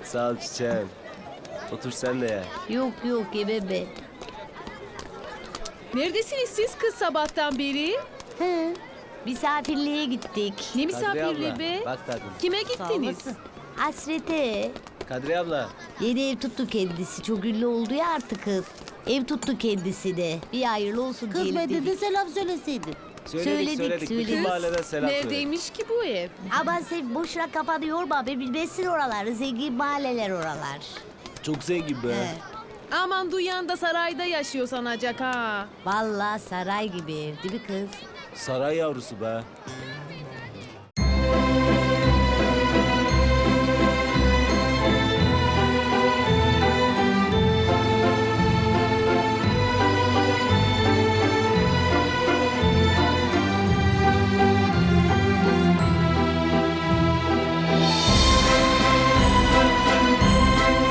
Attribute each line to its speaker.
Speaker 1: Sağ ol çiçeğim. Otur sen de ya.
Speaker 2: Yok yok yemem ben.
Speaker 3: Neredesiniz siz kız sabahtan beri?
Speaker 2: He, misafirliğe gittik.
Speaker 3: Ne
Speaker 1: Kadriye
Speaker 3: misafirliği
Speaker 1: abla,
Speaker 3: be?
Speaker 1: bak tatlım.
Speaker 3: Kime
Speaker 2: Sağ
Speaker 3: gittiniz?
Speaker 2: olasın. Hasrete.
Speaker 1: Kadriye abla.
Speaker 2: Yeni ev tuttu kendisi. Çok ünlü oldu ya artık kız. Ev tuttu kendisine. Bir hayırlı olsun
Speaker 4: Kız
Speaker 2: diyelim
Speaker 4: ben de
Speaker 2: dedik.
Speaker 4: selam söyleseydin.
Speaker 1: Söyledik. Bütün
Speaker 2: Söyledik.
Speaker 1: mahalleden selam söyledik.
Speaker 3: Neredeymiş ki bu ev?
Speaker 2: Aman sen boşuna kafanı yorma be. Bilmezsin oraları. Zengin mahalleler oralar.
Speaker 1: Çok zengin be.
Speaker 2: He.
Speaker 3: Aman duyan da sarayda yaşıyor sanacak ha.
Speaker 2: Vallahi saray gibi ev değil mi kız?
Speaker 1: Saray yavrusu be.